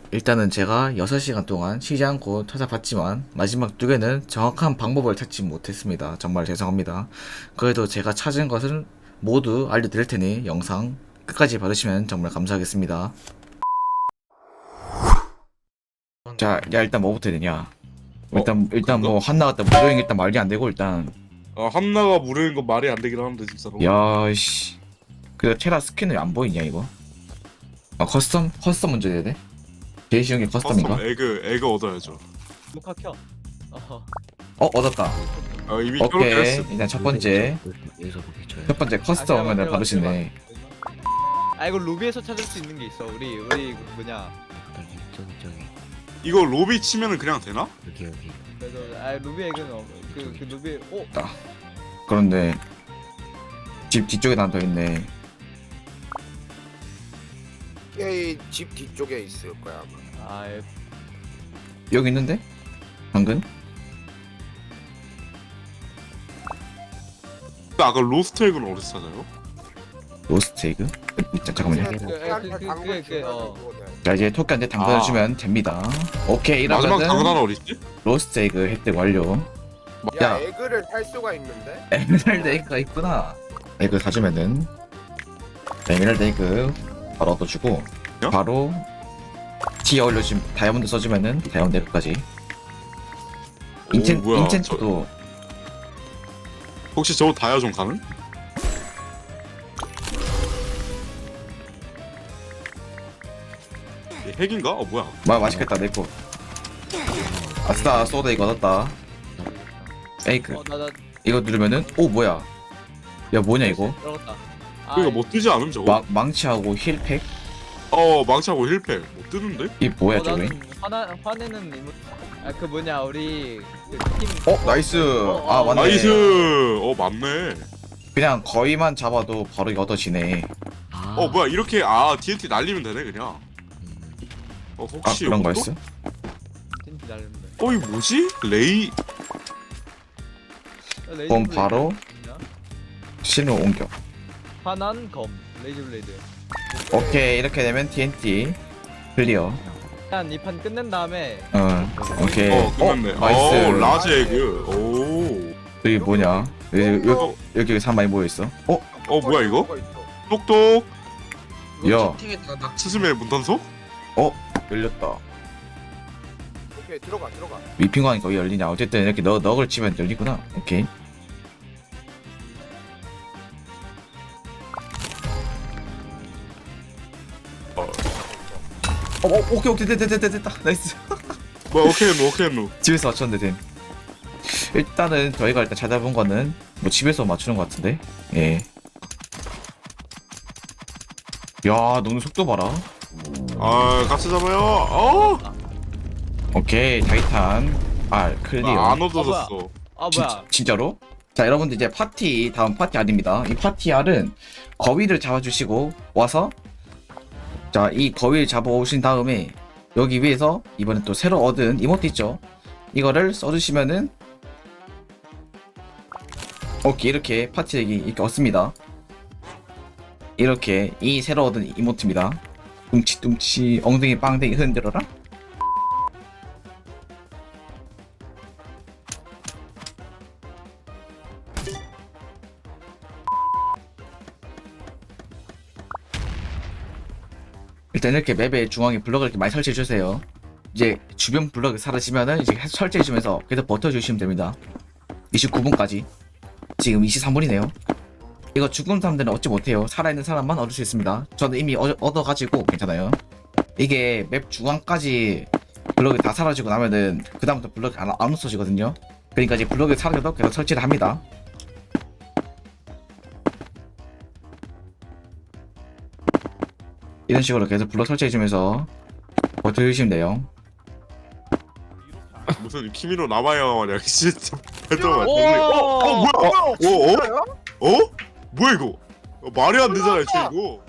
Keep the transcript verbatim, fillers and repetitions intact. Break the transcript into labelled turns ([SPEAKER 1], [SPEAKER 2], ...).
[SPEAKER 1] 일단은 제가 여섯 시간 동안 쉬지 않고 찾아봤지만 마지막 두 개는 정확한 방법을 찾지 못했습니다. 정말 죄송합니다. 그래도 제가 찾은 것을 모두 알려드릴 테니 영상 끝까지 봐주시면 정말 감사하겠습니다. 자, 야 일단 뭐부터 해야 되냐? 일단 일단 뭐 한나갔다 무료인 일단 말이 안 되고 일단
[SPEAKER 2] 아 한나가 무료인 건 말이 안 되긴 하는데 진짜로.
[SPEAKER 1] 야씨 그 테라 스킨을 안 보이냐 이거? 아 커스텀 커스텀 먼저 해야 돼? 제일 쉬운 게 커스텀인가?
[SPEAKER 2] 커스텀 에그 에그 얻어야죠.
[SPEAKER 3] 녹화 켜. 어허.
[SPEAKER 1] 어 얻었다.
[SPEAKER 2] 아 이미
[SPEAKER 1] 오케이
[SPEAKER 2] 켜놓겠어.
[SPEAKER 1] 일단 첫 번째
[SPEAKER 4] 여기서 보기 쳐요.
[SPEAKER 1] 첫 번째
[SPEAKER 3] 아,
[SPEAKER 1] 커스텀
[SPEAKER 3] 잠깐만,
[SPEAKER 1] 하면은 바로
[SPEAKER 3] 잠깐만,
[SPEAKER 1] 시네.
[SPEAKER 3] 아 이거 로비에서 찾을 수 있는 게 있어. 우리 우리 뭐냐.
[SPEAKER 4] 저기 저기 저기
[SPEAKER 2] 이거 로비 치면은 그냥 되나?
[SPEAKER 4] 여기 여기.
[SPEAKER 3] 그래서 아 로비 액은 어, 그, 그 로비 오
[SPEAKER 1] 그런데 집 뒤쪽에 하나 더 있네.
[SPEAKER 5] 이 집 뒤쪽에 있을 거야 아마.
[SPEAKER 3] 아 예.
[SPEAKER 1] 여기 있는데? 방금?
[SPEAKER 2] 아까 로스트 에그는 어디서 찾아요?
[SPEAKER 1] 로스트 에그? 자, 잠깐만요.
[SPEAKER 3] 그, 그, 그, 그, 그, 어.
[SPEAKER 1] 자 이제 토끼한테 당근해주면 됩니다. 오케이
[SPEAKER 2] 마지막
[SPEAKER 1] 이러면은
[SPEAKER 2] 당근 하나 어딨지?
[SPEAKER 1] 로스트 에그 획득 완료.
[SPEAKER 5] 야,
[SPEAKER 1] 야.
[SPEAKER 5] 에그를 살 수가 있는데?
[SPEAKER 1] 에메랄드 에그가 있구나. 에그 사주면은 에메랄드 에그 바로 얻어주고
[SPEAKER 2] 요?
[SPEAKER 1] 바로 티어 올려주면 다이아몬드 써주면은 다이아몬드 에그까지. 인첸
[SPEAKER 2] 뭐야,
[SPEAKER 1] 인첸트도
[SPEAKER 2] 혹시 저거 다이아 좀 가능? 얘 핵인가? 어 뭐야?
[SPEAKER 1] 마 맛있겠다 내거. 아싸 소다 이거 얻었다. 에이크
[SPEAKER 3] 어나나
[SPEAKER 1] 이거 누르면은 오 뭐야? 야 뭐냐 이거?
[SPEAKER 3] 들어갔다. 아,
[SPEAKER 2] 그러니까 뭐 뜨지 않음 저거?
[SPEAKER 1] 마, 망치하고 힐팩?
[SPEAKER 2] 어 망치하고 힐팩 뭐 뜨는데?
[SPEAKER 1] 이 뭐야
[SPEAKER 3] 어,
[SPEAKER 1] 저거?
[SPEAKER 3] 나는 화나 화내는 이모. 아그 뭐냐 우리 그팀
[SPEAKER 1] 어 나이스.
[SPEAKER 3] 어,
[SPEAKER 1] 아
[SPEAKER 3] 어,
[SPEAKER 1] 맞네.
[SPEAKER 2] 나이스. 어 맞네.
[SPEAKER 1] 그냥 거의만 잡아도 바로 이거 얻어지네.
[SPEAKER 4] 아.
[SPEAKER 2] 어 뭐야 이렇게 아 티엔티 날리면 되네 그냥.
[SPEAKER 4] 음.
[SPEAKER 2] 어
[SPEAKER 1] 아
[SPEAKER 2] 혹시
[SPEAKER 1] 그런
[SPEAKER 2] 이것도?
[SPEAKER 1] 거였어?
[SPEAKER 3] 팀 기다리는데.
[SPEAKER 2] 어 이거 뭐지? 레이
[SPEAKER 3] 레이저
[SPEAKER 1] 그럼
[SPEAKER 3] 블레이드
[SPEAKER 1] 바로
[SPEAKER 3] 있냐?
[SPEAKER 1] 신호 옮겨.
[SPEAKER 3] 화난 검 레이저 블레이드.
[SPEAKER 1] 오케이 이렇게 되면 티엔티 클리어.
[SPEAKER 3] 일단 이 판 끝낸 다음에
[SPEAKER 1] 어 오케이.
[SPEAKER 2] 어 끝났네.
[SPEAKER 1] 어, 나이스.
[SPEAKER 2] 어 라즈 에그. 오.
[SPEAKER 1] 여기 뭐냐? 여기 여기, 여기, 여기 사람 많이 모여 있어. 어?
[SPEAKER 2] 어 뭐야 이거?
[SPEAKER 5] 뭐가 있어.
[SPEAKER 2] 똑똑.
[SPEAKER 1] 야
[SPEAKER 2] 스스메 문단속?
[SPEAKER 1] 열렸다.
[SPEAKER 5] 오케이 들어가 들어가.
[SPEAKER 1] 위핑광이 거기 열리냐? 어쨌든 이렇게 너 넉을 치면 열리구나. 오케이.
[SPEAKER 2] 어.
[SPEAKER 1] 어, 어 오케이 오케이 됐다 됐다 됐다 나이스.
[SPEAKER 2] 뭐야 오케이 노 오케이 노.
[SPEAKER 1] 집에서 맞췄는데 됨. 일단은 저희가 일단 찾아본 거는 뭐 집에서 맞추는 것 같은데. 예. 야 너는 속도 봐라.
[SPEAKER 2] 아 같이 잡아요. 어?
[SPEAKER 1] 오케이 타이탄 알 클리어.
[SPEAKER 2] 아, 안 얻어졌어.
[SPEAKER 3] 아
[SPEAKER 1] 진,
[SPEAKER 3] 뭐야
[SPEAKER 1] 진짜로? 자 여러분들 이제 파티 다음 파티 알입니다. 이 파티 알은 거위를 잡아주시고 와서 자 이 거위를 잡아오신 다음에 여기 위에서 이번엔 또 새로 얻은 이모트 있죠? 이거를 써주시면은 오케이 이렇게 파티액이 이렇게 얻습니다. 이렇게 이 새로 얻은 이모트입니다. 뚱치뚱치 엉덩이 빵댕이 흔들어라. 일단 이렇게 맵의 중앙에 블럭을 이렇게 많이 설치해 주세요. 이제 주변 블럭이 사라지면은 이제 계속 설치해 주면서 계속 버텨 주시면 됩니다. 이십구 분까지. 지금 이십삼 분이네요. 이거 죽은 사람들은 얻지 못해요. 살아있는 사람만 얻을 수 있습니다. 저는 이미 얻, 얻어가지고 괜찮아요. 이게 맵 중앙까지 블럭이 다 사라지고 나면은 그 다음부터 블럭이 안, 안 없어지거든요. 그러니까 이제 블럭이 사라져도 계속 설치를 합니다. 이런 식으로 계속 블럭 설치해주면서 버텨주시면 돼요.
[SPEAKER 2] 무슨 키미노 나마야 마냥 진짜 발전만.
[SPEAKER 3] 오!
[SPEAKER 2] 어, 어 뭐야? 어, 어?
[SPEAKER 5] 진짜요?
[SPEAKER 2] 어? 뭐야 이거? 어, 말이 안 되잖아, 쟤 이거.